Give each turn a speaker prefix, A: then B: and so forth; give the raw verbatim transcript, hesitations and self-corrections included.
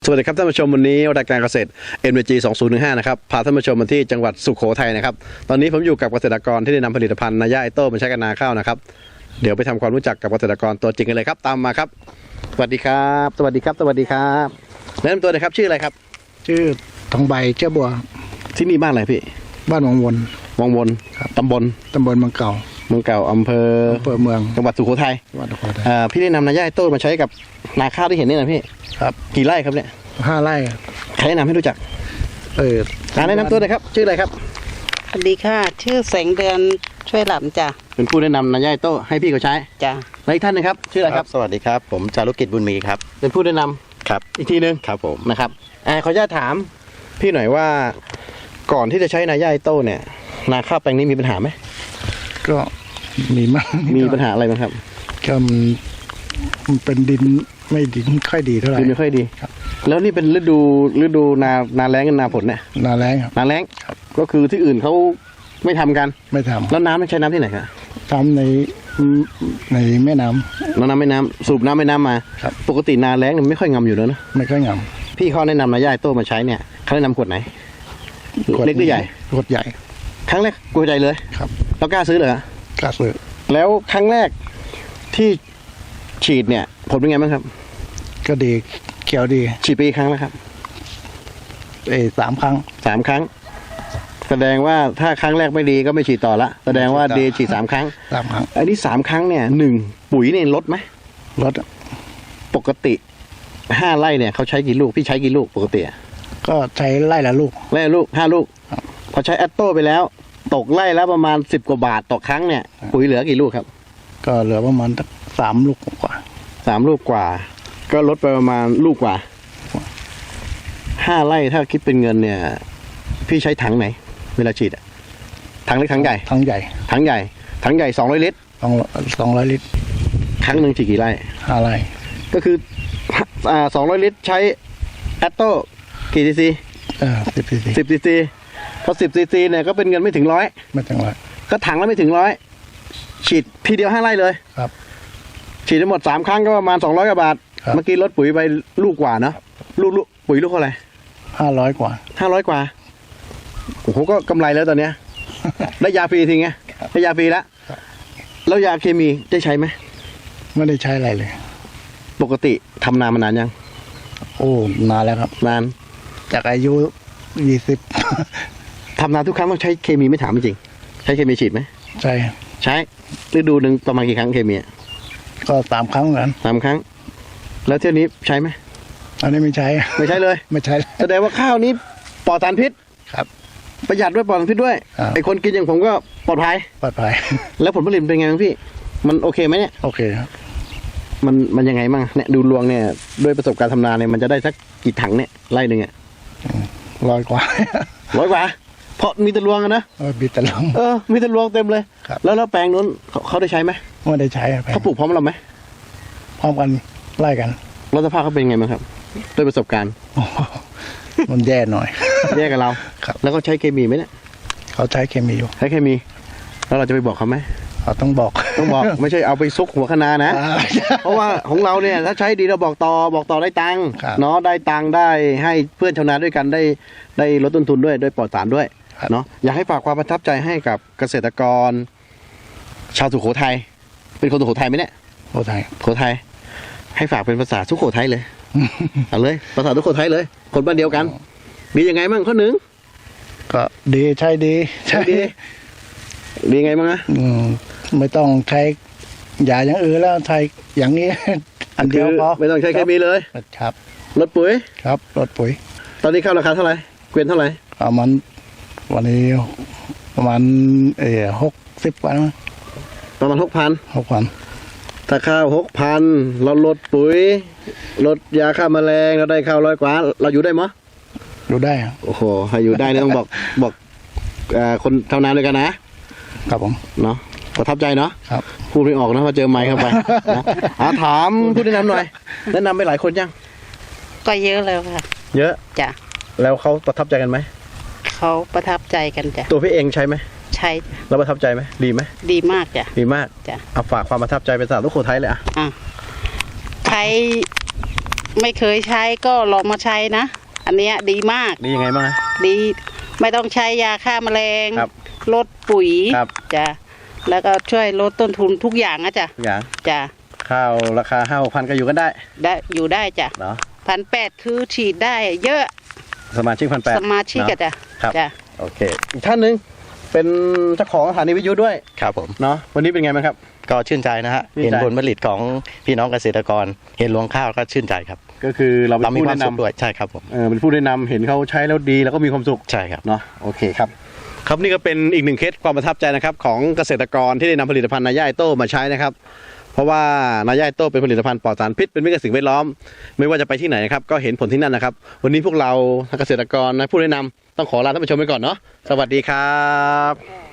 A: สวัสดีครับท่านผู้ชมวันนี้รายการเกษตร เอ็ม วี จี สองพันสิบห้านะครับพาท่านผู้ชมมาที่จังหวัดสุโขทัยนะครับตอนนี้ผมอยู่กับเกษตรกรที่ได้นำผลิตภัณฑ์นายาไอโต้มาใช้กับนาข้าวนะครับเดี๋ยวไปทำความรู้จักกับเกษตรกรตัวจริงกันเลยครับตามมาครับสวัสดีครับสวัสดีครับสวัสดีครับแนะนำตัวเลยครับชื่ออะไรครับ
B: ชื่อทองใบเจ้าบัว
A: ที่นี่บ้านอะไรพี่
B: บ้านวังวน
A: วังวนตำบล
B: ตำบลเมืองเก่า
A: เมืองเก่าอำเภอ
B: อำเภอเมือง
A: จังหวัดสุโขทัย
B: จังหวัดสุโขทัย
A: อ่าพี่ได้นำนายาไอโต้มาใช้กับนาข้าวที่เห็นนี่นะพี่
B: ครับ
A: กี่ไร่ครับเนี่ย
B: ห้าไร่
A: ใครแนะนำให้รู้จัก
B: เออ
A: การแนะนำตัวเลยครับชื่ออะไรครับ
C: สวัสดีค่ะชื่อแสงเดือนช่วยหลำจ้ะ
A: เป็นผู้แนะนำนายาไอโต้ให้พี่เขาใช้
C: จ้ะ
A: และอีกท่านนึงครับชื่ออะไรครับ
D: สวัสดีครับผมจารุกิจบุญมีครับ
A: เป็นผู้แนะนำ
D: ครับ
A: อีกทีนึง
D: ครับผม
A: นะครับอ่าขออนุญาตถามพี่หน่อยว่าก่อนที่จะใช้นายาไอโต้เนี่ยนาข้าวแปลงนี้มีปัญหาไหม
B: ก็มีมาก
A: มีปัญหาอะไรบ้างครับ
B: ก็มันเป็นดินไม่ดินค่อยดีเท่าไหร่
A: ดินไม่ค่อยดีครับแล้วนี่เป็นฤดูฤดูนานาแล้งกับนาฝนเนี่ย
B: นาแล้งครับ
A: นาแล้งก็คือที่อื่นเขาไม่ทำกัน
B: ไม่ทำ
A: แล้วน้ำไม่ใช้น้ำที่ไหนครับ
B: ทำในในแม่น้ำ
A: น้ำแม่น้ำสูบน้ำแม่น้ำมา
B: ครับ
A: ปกตินาแล้งเนี่ยไม่ค่อยงำอยู่แล้วนะ
B: ไม่ค่อยง
A: ำพี่เขาแนะนำนายาไอโต้มาใช้เนี่ยเขาแนะนำขวดไหนเล็กหรือใหญ่
B: ขวดใหญ่
A: ครั้งแรกขวดใหญ่เลย
B: ครับ
A: แล้วกล้าซื้อเหร
B: อกล้าซื้อ
A: แล้วครั้งแรกที่ฉีดเนี่ยผลเป็นไงบ้างครับ
B: ก็ดีเขียวดี
A: ฉีดไปกี่ครั้งแล้วครับ
B: เออสามครั้ง
A: สามครั้งแสดงว่าถ้าครั้งแรกไม่ดีก็ไม่ฉีดต่อละแสดงว่าดีฉีดสามครั้ง
B: สามครั้ง
A: อันนี้สามครั้งเนี่ยหนึ่งปุ๋ยเนี่ยลดไหม
B: ลด
A: ปกติห้าไร่เนี่ยเขาใช้กี่ลูกพี่ใช้กี่ลูกปกติ
B: ก็ใช้ไร่ละลูก
A: ไร่ละลูกห้าลูกพอใช้แอตโต้ไปแล้วตกไร่แล้วประมาณสิบกว่าบาทต่อครั้งเนี่ยปุ๋ยเหลือกี่ลูกครับ
B: ก็เหลือประมาณสามลูกกว่า
A: สามลูกกว่าก็ลดไปประมาณลูกกว่าห้าไร่ถ้าคิดเป็นเงินเนี่ยพี่ใช้ถังไหนเวลาฉีดถังเล็กถังใหญ่
B: ถังใหญ่
A: ถังใหญ่ถังใหญ่สองร้อยลิตร
B: สองสองร้อยลิตร
A: ครั้งหนึ่งฉีดกี่ไร่
B: ห้าไร่
A: ก็คืออ่าสองร้อยลิตรใช้แอตโต้กี่ซีซี
B: เออสิบซีซี
A: สิบซีซีพอสิบซีซีเนี่ยก็เป็นเงินไม่ถึงร้อย
B: ไม่ถึงร้อย
A: ก็ถังแล้วไม่ถึงร้อยฉีดทีเดียวห้าไร่เลย
B: ครับ
A: ฉีดทั้งหมดสามครั้งก็ประมาณสองร้อยกว่าบาทเมื่อกี้ลดปุ๋ยไปลูกกว่าเนาะลูกลูกปุ๋ยลูกเท่าไหร่
B: ห้าร้อยกว่า
A: ห้าร้อยกว่าโอ้โหก็กำไรแล้วตอนเนี้ยได้ยาฟรีทีไงได้ยาฟรีแล้วแล้วยาเคมีได้ใช้ไหม
B: ไม่ได้ใช้อะไรเลย
A: ปกติทำนานมานานยัง
B: โอ้นานแล้วครับ
A: นาน
B: จากอายุยี่สิบ
A: ทำนานทุกครั้งต้องใช้เคมีไม่ถามจริงใช้เคมีฉีดไหม
B: ใช่
A: ใช้ฤดูหนึ่งประมาณกี่ครั้งเคมี
B: ก็สามครั้งเหมือนกัน
A: สามครั้งแล้วเที่ยวนี้ใช้ไหม
B: อันนี้ไม่ใช้
A: ไม่ใช้เลย
B: ไม่ใช้
A: แสดงว่าข้าวนี้ปลอดสารพิษ
B: ครับ
A: ประหยัดด้วยปลอดสารพิษด้วยไอคนกินอย่างผมก็ปลอดภัย
B: ปลอดภัย
A: แล้วผลผลิตเป็นไงพี่มันโอเคไหมเนี่ย
B: โอเคครับ
A: มันมันยังไงบ้างเนี่ยดูรวงเนี่ยด้วยประสบการณ์ทำนาเนี่ยมันจะได้สักกี่ถังเนี่ยไร่หนึ่งอ่ะ
B: ร้อยกว่า
A: ร้อยกว่าเพราะมีตะลวงนะ
B: เออมีตะลวง
A: เออมีตะลวงเต็มเลยแล้วแล้วแปลงนู้นเขาได้ใช้ไหม
B: ไม่ได้ใช้
A: เขาปลูกพร้อมเราไหม
B: พร้อมกันไล่กัน
A: แล้วสภาพเขาเป็นไงบ้างครับด้วยประสบการณ์
B: มันแย่หน่อย
A: แย่กับเราแล้วก็ใช้เคมีไหมเนี่ย
B: เขาใช้เคมีอยู่
A: ใช้เคมีแล้วเราจะไปบอกเขาไหม
B: เขาต้องบอก
A: ต้องบอกไม่ใช่เอาไปซุกหัวคะนานะเพราะว่าของเราเนี่ยถ้าใช้ดีเราบอกต่อบอกต่อได้ตังค์เนาะได้ตังค์ได้ให้เพื่อนชาวนาด้วยกันได้ได้ลดต้นทุนด้วยด้วยปลอดสารด้วยเนาะอยากให้ฝากความประทับใจให้กับเกษตรกรชาวสุโขทัยเป็นคนสุโขทัยไหมเนี่ย
B: สุโขทัย
A: สุโขทัยให้ฝากเป็นภาษาสุโขทัยเลยเอาเลยภาษาสุโขทัยเลยคนบ้านเดียวกันดียังไงมั่งข้อหนึ่ง
B: ก็ดีใช่ดี
A: ใช่ดีดีไงมั่งนะ
B: ไม่ต้องใช้ยาอย่างอื่นแล้วใช้อย่างนี้อันเดียวพอ
A: ไม่ต้องใช้เคมีเลย
B: ครับ
A: ลดปุ๋ย
B: ครับลดปุ๋ย
A: ตอนนี้ข้าวราคาเท่าไหร่เกวียนเท่าไหร่
B: ประมาณวันนี้ประมาณเอ่อหกสิบกว่า
A: ประมาณหกพัน
B: หกพัน
A: ถ้าข้าวหกพันเราลดปุ๋ยลดยาฆ่าแมลงเราได้ข้าวร้อยกว่าเราอยู่ได้มั้ย
B: อยู่ได้
A: โอ้โหให้อยู่ได้เนี่ยต้องบอกบอกคนชาวนาด้วยกันนะครับ
B: ผม
A: เนาะประทับใจเนาะ
B: ครับ
A: พูดไม่ออกนะพอเจอไมค์เข้าไปนะถามพูดแนะนำหน่อยแนะนำไปหลายคนยัง
C: ก็เยอะแล้วค่ะ
A: เยอะ
C: จ้ะ
A: แล้วเขาประทับใจกันไหม
C: เขาประทับใจกันจ้ะ
A: ตัวพี่เองใช่ไหม
C: ใช่
A: แล้วประทับใจไหมดีไหม
C: ดีมากจ้ะ
A: ดีมาก
C: จ้ะ
A: เอาฝากความประทับใจเป็นสาวสุโขทัยเลยอ่ะ
C: อ่ะใช้ไม่เคยใช้ก็ลองมาใช้นะ อันเนี้ยดีมาก
A: ดียังไงบ้างฮะ
C: ดีไม่ต้องใช้ยาฆ่าแมลง
A: ครับ
C: ลดปุ๋ย
A: ครับ
C: จ้ะแล้วก็ช่วยลดต้นทุนทุกอย่างนะจ้ะ
A: อย่าง
C: จ้ะ
A: ข้าวราคาห้าพันก็อยู่กันได้
C: ได้อยู่ได้จ้ะ
A: เนาะ
C: พันแปดคือฉีดได้เยอะ
A: สมาชิกพันแปด
C: สมาชิกอะจ้ะ
A: ครับ
C: จ้ะ
A: โอเคอีกท่านหนึ่งเป็นเจ้าของสถานีวิทยุด้วย
D: ครับผม
A: เนาะวันนี้เป็นไงบ้างครับ
D: ก็ชื่นใจนะฮะ
A: ชื่นใจ
D: เห็นผลผลิตของพี่น้องเกษตรกร เห็นรวงข้าวก็ชื่นใจครับ
A: ก็คือเราเป็
D: เรา
A: น
D: มี
A: ผู้
D: ความ
A: แนะ
D: สุข
A: นำ
D: ด้วยใช่ครับผม
A: เออเป็นผู้แนะนำเห็นเขาใช้แล้วดีแล้วก็มีความสุข
D: ใช่ครับ
A: เนาะโอเคครับครับนี่ก็เป็นอีกหนึ่งเคสความประทับใจนะครับของเกษตรกรที่ได้นำผลิตภัณฑ์นายาไอโต้มาใช้นะครับเพราะว่านายาไอโต้เป็นผลิตภัณฑ์ปลอดสารพิษเป็นมิตรกับสิ่งแวดล้อมไม่ว่าจะไปที่ไหนนะครับก็เห็นผลที่นั่นนะครับวันนี้พวกเราเกษตรกรนะผู้แนะนำต้องขอลาท่านผู้ชมไปก่อนเนาะสวัสดีครับ